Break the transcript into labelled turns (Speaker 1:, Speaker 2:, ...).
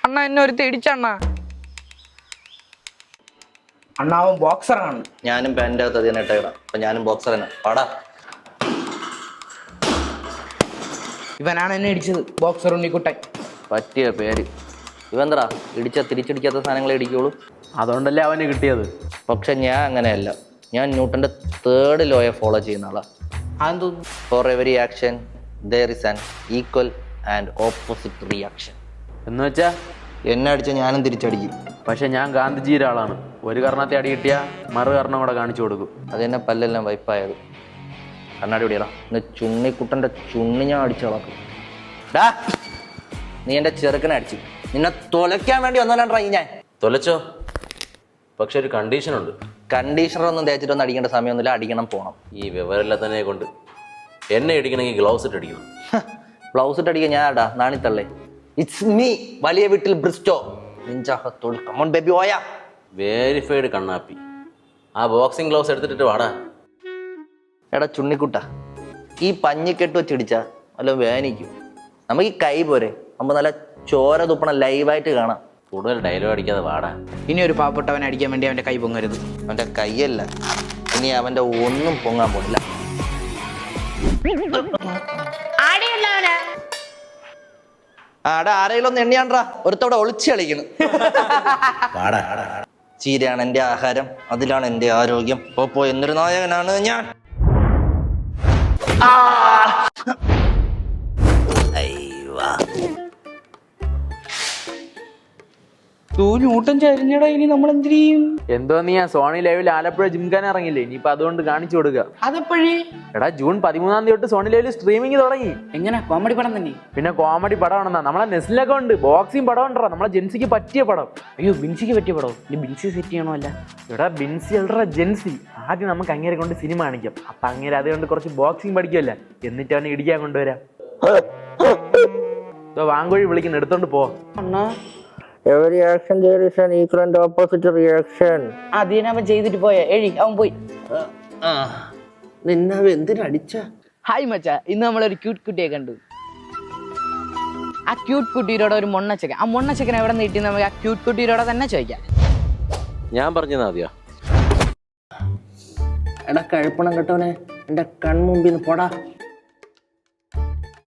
Speaker 1: അണ്ണ എന്നെ ഒരു തിടിച്ചണ്ണ.
Speaker 2: അണ്ണാവൻ ബോക്സറാണ്.
Speaker 3: ഞാനും പാൻ്റെ അകത്ത് അതിനെ ഇട്ടേടാം. അപ്പൊ ഞാനും ബോക്സർ തന്നെ പാടാ.
Speaker 2: ഇവനാണ് എന്നെ ഇടിച്ചത്, ബോക്സർ ഉണ്ണിക്കുട്ടൻ.
Speaker 3: പറ്റിയ പേര്. ഇവന്തടാ തിരിച്ചടിക്കാത്ത സാധനങ്ങളെ ഇടിക്കുള്ളൂ.
Speaker 4: അതുകൊണ്ടല്ലേ അവന് കിട്ടിയത്.
Speaker 3: പക്ഷെ ഞാൻ അങ്ങനെയല്ല. ഞാൻ ന്യൂട്ടന്റെ 3rd ലോയെ ഫോളോ ചെയ്യുന്ന ആളാ.
Speaker 2: അതെന്തോ?
Speaker 3: For every action there is an equal and opposite reaction.
Speaker 4: എന്ന് വെച്ചാ
Speaker 3: എന്നെ അടിച്ച ഞാനും തിരിച്ചടിക്കും.
Speaker 4: പക്ഷെ ഞാൻ ഗാന്ധിജിയുടെ ആളാണ്. ഒരു കർണത്തെ അടി കിട്ടിയാ മറു കർണം കൂടെ കാണിച്ചു കൊടുക്കും.
Speaker 3: അതെന്നെ പല്ലെല്ലാം വൈപ്പായത്. കണ്ണാടി പിടിയടാ. ഇന്ന് ചുണ്ണിക്കുട്ടന്റെ ചുണ്ണി ഞാൻ അടിച്ചു കളക്കും. ഡാ, നീ എന്റെ ചെറുക്കനെ അടിച്ചു. നിന്നെ തൊലയ്ക്കാൻ വേണ്ടി വന്നോണ്ടാ ഞാൻ.
Speaker 5: തൊലച്ചോ? പക്ഷെ ഒരു കണ്ടീഷൻ ഉണ്ട്.
Speaker 3: കണ്ടീഷണറൊന്നും തേച്ചിട്ടൊന്നും അടിക്കേണ്ട സമയമൊന്നുമില്ല. അടിക്കണം, പോണം.
Speaker 5: ഈ വിവരമില്ലാത്തതിനെ കൊണ്ട് എന്നെ അടിക്കണമെങ്കിൽ ഗ്ലൗസ് ഇട്ട് അടിക്കണം.
Speaker 3: ബ്ലൗസ് ഇട്ട് അടിക്കാൻ ഞാൻ ആടാ നാണിത്തള്ളേ. ഇറ്റ്സ് മീ, വലിയ വീട്ടിൽ ബ്രിസ്റ്റോ. നിഞ്ചാഹത്തോൾ കമോൺ ബേബി ഓയാ.
Speaker 5: വേരിഫൈഡ് കണ്ണാപ്പി. ആ ബോക്സിംഗ് ഗ്ലൗസ് എടുത്തിട്ട് വാടാ.
Speaker 3: എടാ ചുണ്ണിക്കുട്ട, ഈ പഞ്ഞിക്കെട്ട് വെച്ചിടിച്ചാ വല്ല വേനിക്കും. നമുക്ക് ഈ കൈ പോരെ, നമുക്ക് നല്ല ചോര തുപ്പണം ലൈവായിട്ട് കാണാം.
Speaker 5: കൂടുതൽ ഡയലോഗ് അടിക്കാതെ വാടാ.
Speaker 2: ഇനി ഒരു പാവപ്പെട്ടവനെ അടിക്കാൻ വേണ്ടി അവന്റെ കൈ പൊങ്ങരുത്.
Speaker 3: അവന്റെ കൈയല്ല, ഇനി അവന്റെ ഒന്നും പൊങ്ങാൻ പോണില്ല. ആടാ ആരെങ്കിലും ഒന്ന് എണ്ണിയാണ്ടാ. ഒരുത്തവിടെ ഒളിച്ച് കളിക്കണം. ചീരയാണ് എന്റെ ആഹാരം, അതിലാണ് എന്റെ ആരോഗ്യം. പോപ്പോ എന്നൊരു നായകനാണ് ഞാൻ.
Speaker 2: ന്യൂട്ടൻ ചരിഞ്ഞടാ. ഇനി നമ്മൾ എന്ത് ചെയ്യും?
Speaker 4: എന്തോ നീ ആ സോണി ലൈവിൽ ആലപ്പുഴ ജിംഖാന ഇറങ്ങില്ലേ, ഇനിയിപ്പൊ അതുകൊണ്ട് കാണിച്ചു കൊടുക്കുക.
Speaker 2: അതെപ്പോഴേ?
Speaker 4: എടാ ജൂൺ 13 തൊട്ട് സോണി ലൈവിൽ സ്ട്രീമിംഗ് തുടങ്ങി.
Speaker 2: എങ്ങനെ? കോമഡി പടം തന്നെ?
Speaker 4: പിന്നെ കോമഡി പടമാണെന്നാ. നമ്മളെ നെസ്ലിലൊക്കെ ഉണ്ട് ബോക്സിംഗ് പടം ഉണ്ടോ, നമ്മളെ ജെൻസിക്ക് പറ്റിയ പടം.
Speaker 2: അയ്യോ, ബിൻസിക്ക് പറ്റിയ പടം. ഇനി ബിൻസി സെറ്റ് ചെയ്യണോ? അല്ല
Speaker 4: എടാ ബിൻസി അല്ലടാ ജെൻസി. ആദ്യം നമുക്ക് അങ്ങേരെ കൊണ്ട് സിനിമ കാണിക്കാം. അപ്പൊ അങ്ങേരെ അതുകൊണ്ട് കുറച്ച് ബോക്സിംഗ് പഠിക്കുമല്ല, എന്നിട്ട് അവനെ ഇടിക്കാൻ കൊണ്ടുവരാം. വാങ്കോഴി വിളിക്കുന്ന, എടുത്തോണ്ട് പോ.
Speaker 3: Every action there is an equal and opposite reaction.
Speaker 2: അതിനവൻ ചെയ്തിട്ട് പോയ എഴി, അവൻ പോയി.
Speaker 3: നിന്നവ എന്തിനടിച്ച?
Speaker 2: ഹായ് മച്ചാ, ഇന്ന് നമ്മളൊരു ക്യൂട്ട് കുട്ടിയെ കണ്ടു. ആ ക്യൂട്ട് കുട്ടിയോടെ ഒരു മൊണ്ണച്ചക്കൻ. ആ മൊണ്ണച്ചക്കൻ എവിടെ നിന്ന് കിട്ടി നമുക്ക് ആ ക്യൂട്ട് കുട്ടിയോടെ തന്നെ ചോദിക്കാം.
Speaker 5: ഞാൻ പറഞ്ഞതാ മതിയോ?
Speaker 3: എടാ കഴുപ്പണം കേട്ടവനെ, എന്റെ കൺമുമ്പിൽ നിന്ന് പോടാ.